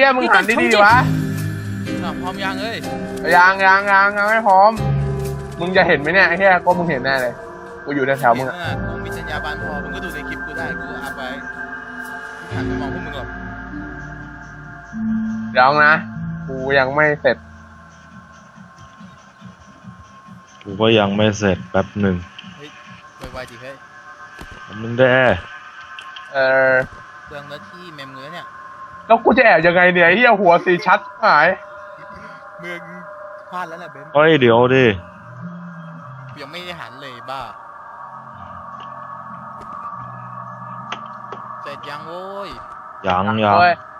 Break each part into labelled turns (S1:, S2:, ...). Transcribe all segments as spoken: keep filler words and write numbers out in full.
S1: หี้ยมึงหันดีๆวะ
S2: พร้อมยังเอ้ย
S1: ยังยังยังยังไม่พร้อมมึงจะเห็นไหมเนี่ยไอ้เหี้ยก็มึงเห็นแน่เลยกูอยู่ในแถวมึงอะ
S2: กูมีสัญญาบานพอมึงก็ดูในคลิปกูได้กูอัพไว้หันไปมองพวกมึงหรอก
S1: เดี๋ยวนะกูยังไม่เสร็จ
S3: กูก็ยังไม่เสร็จแป๊บหนึ่ง
S2: เฮ้ยไวๆดิเฮ้ย
S3: มึงได้
S1: เออ
S2: เปลืองเนื้อที่เมมเนื้อเนี่ย
S1: แล้วกูจะแอบยังไงเนี่ยเหี้ยหัวสีชัดหาย
S2: เมืองพลาดแล้วแหละเบน
S3: เฮ้ยเดี๋ยวดิ
S2: ยังไม่ได้หันเลยบ้าเสร็จยังโว้ย
S3: ยังยัง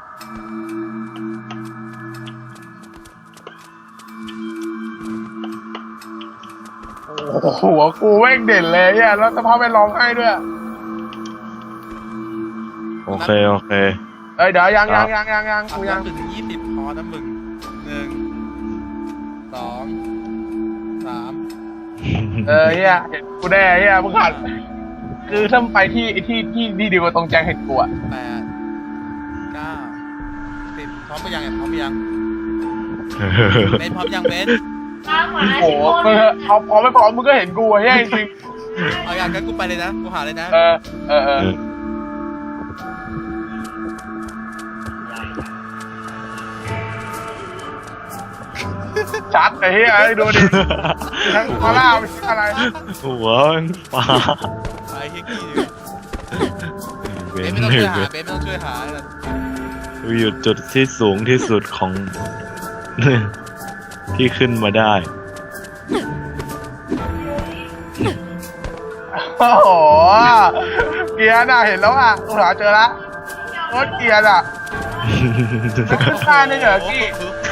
S1: โอ้โหหัวกูแม่งเด่นเลยเนี่ยแล้วสภาพแวดล้อมให้ด้วย
S3: โอเคโอเค
S1: เอ้ยเดี๋ยวยังยังยังยังยังกูยัง
S2: ถึงยี่สิบพอนะมึงหนึ่งสองสาม
S1: เออเฮียเห็นกูแน่เฮียมึงหันคือถ้าไปที่ที่ที่ที่ดีกว่าตรงแจงเห็นกูอะ
S2: แปดเก้าสิบพร้อมไปยังไงพร้อมไปยังเบนพร้อมยังเบน
S1: โอ้โหมึงเอาพร้อมไม่พร้อมมึงก็เห็นกูเฮียจริง
S2: เอาอย่างนั้นกูไปเลยนะกูหาเลยนะ
S1: เออเออเออชัดไอ้เหี้ยไอ้ดูดิทั้งคอล่าไม่ใช่อะไร
S3: หัวปลา
S2: ไอ้เหี้ยกี้เบนไม่ต้องช่วยหาเบนไม่ต้องช่วยหา
S3: อยู่จุดที่สูงที่สุดของที่ขึ้นมาได้
S1: โอ้โหเกียร์น่ะเห็นแล้วอ่ะกูหาเจอละรถเกียร์อ่ะมันขึ้นได้นี่เหรอกี้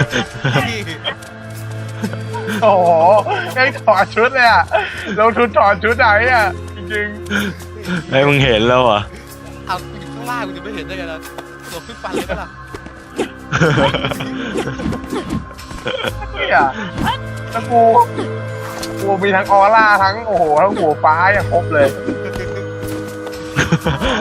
S1: โอ้โหไอ้ถอดชุดเลยอ่ะลงทุนถอดชุดไหนอ่ะจริง
S3: ๆไอ้มึงเห็นแล้วอ่ะ
S2: เอาอยู่ข้างล่างกูจะไม่เห็นได้ไงล่ะตัวขึ้นฟันเลยก็ล่ะ
S1: เนี่ยแล้วกูกูมีทั้งออร่าทั้งโอ้โหทั้งหัวฟ้าอย่างครบเลย